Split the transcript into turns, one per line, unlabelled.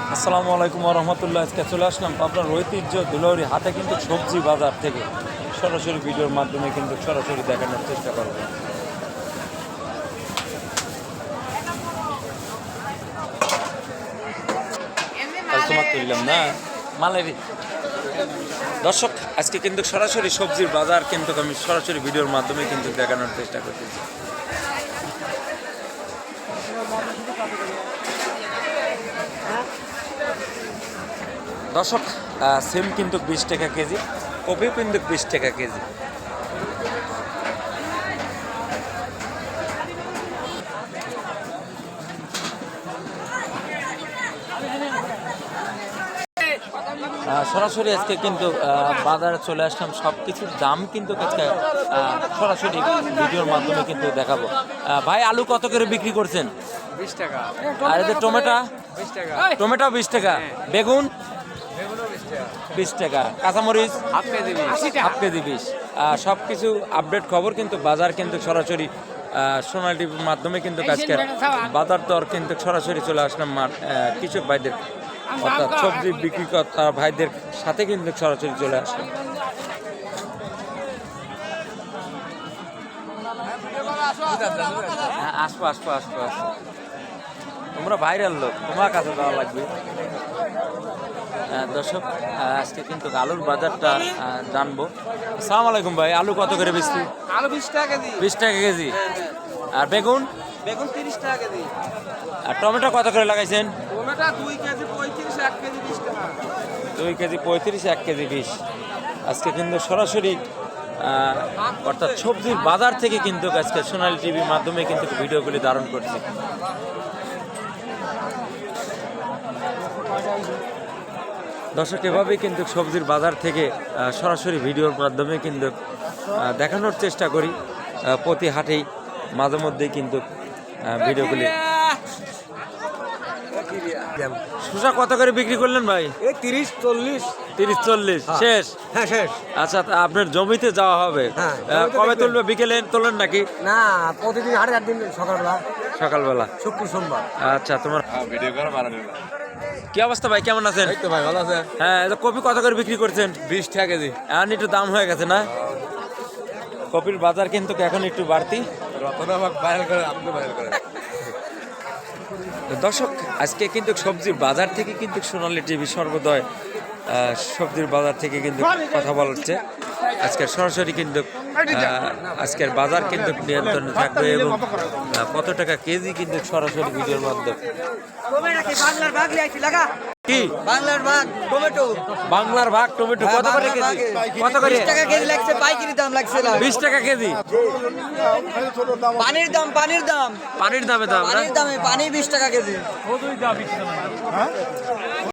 আসসালামু আলাইকুম রহমতুল্লাহ। আজকে চলে আসলাম আপনার ঐতিহ্য দুলাউরি হাতে কিন্তু সবজি বাজার থেকে সরাসরি ভিডিওর মাধ্যমে কিন্তু সরাসরি দেখানোর চেষ্টা করব। তুললাম না মালের দর্শক, আজকে কিন্তু সরাসরি সবজির বাজার কিন্তু আমি সরাসরি ভিডিওর মাধ্যমে কিন্তু দেখানোর চেষ্টা করতেছি। দর্শক, সিম কিন্তু 20 টাকা কেজি, কপিও কিন্তু 20 টাকা কেজি। সরাসরি আজকে কিন্তু বাজারে চলে আসলাম, সব কিছুর দাম কিন্তু আজকে সরাসরি ভিডিওর মাধ্যমে কিন্তু দেখাবো। ভাই, আলু কত করে বিক্রি করছেন?
20 টাকা।
আর এদের টমেটো
20 টাকা।
টমেটো 20 টাকা, বেগুন
বেগুনও 20 টাকা।
20 টাকা, কাঁচামরিচ
হাফ কেজি 20।
Half KG 20। সব কিছু আপডেট খবর কিন্তু বাজার কিন্তু সরাসরি সোনালী টিভির মাধ্যমে কিন্তু আজকে বাজার দর কিন্তু সরাসরি চলে আসলাম কৃষক ভাইদের অর্থাৎ সবজি বিক্রিকর্তা ভাইদের সাথে কিন্তু সরাসরি চলে আসলাম। আসবো আসবো আসবো আসবো, তোমরা ভাইরাল লোক, তোমার কাছে দেওয়া লাগবে। দর্শক, আজকে কিন্তু আলুর বাজারটা জানবো। আসসালামু আলাইকুম ভাই, আলু কত করে বেচছি?
আলু 20 টাকা কেজি।
20 টাকা কেজি। আর বেগুন?
বেগুন 30 টাকা কেজি।
আর টমেটো কত করে লাগাইছেন?
টমেটো 2 কেজি 35, 1 কেজি 20 টাকা।
2 কেজি 35, 1 কেজি 20। আজকে কিন্তু সরাসরি অর্থাৎ সবজির বাজার থেকে কিন্তু আজকে সোনালী টিভির মাধ্যমে কিন্তু ভিডিওগুলি ধারণ করছি। দর্শক, এভাবেই কিন্তু সবজির বাজার থেকে সরাসরি ভিডিওর মাধ্যমে কিন্তু দেখানোর চেষ্টা করি। প্রতি হাটেই মাঝে মধ্যেই কিন্তু ভিডিওগুলি। শসা কত করে বিক্রি করলেন ভাই?
30 40।
30 40 শেষ?
হ্যাঁ শেষ।
আচ্ছা, আপনার জমিতে যাওয়া হবে? কবে তুলবে? বিকেলে তোলেন নাকি?
না, প্রতিদিন হাটে 4 দিন সকালবেলা
সকালবেলা,
শুক্র সোমবার।
আচ্ছা, তোমার ভিডিও করা ভালো। কি অবস্থা ভাই, কেমন আছেন?
এই তো ভাই, ভালো আছে।
হ্যাঁ, কপি কত করে বিক্রি করছেন?
20 টাকা কেজি।
এখন একটু দাম হয়ে গেছে না? কপির বাজার কিন্তু এখন একটু বাড়তি। দর্শক, আজকে কিন্তু সবজির বাজার থেকে কিন্তু সোনালী টিভি সর্বদয় সবজির বাজার থেকে কিন্তু কথা বলা হচ্ছে। আজকের সরাসরি কিন্তু আজকের বাজার কিন্তু নিয়ন্ত্রণে থাকবে এবং কত টাকা কেজি কিন্তু সরাসরি ভিডিওর মাধ্যমে। কি
বাংলার ভাগ টমেটো?
বাংলার ভাগ টমেটো কত করে কেজি? কত করে?
20 টাকা কেজি লাগছে, পাইকারি দাম লাগছে না।
20 টাকা কেজি।
পানির দাম
পানির দামে দাম না?
পানি 20 টাকা কেজি।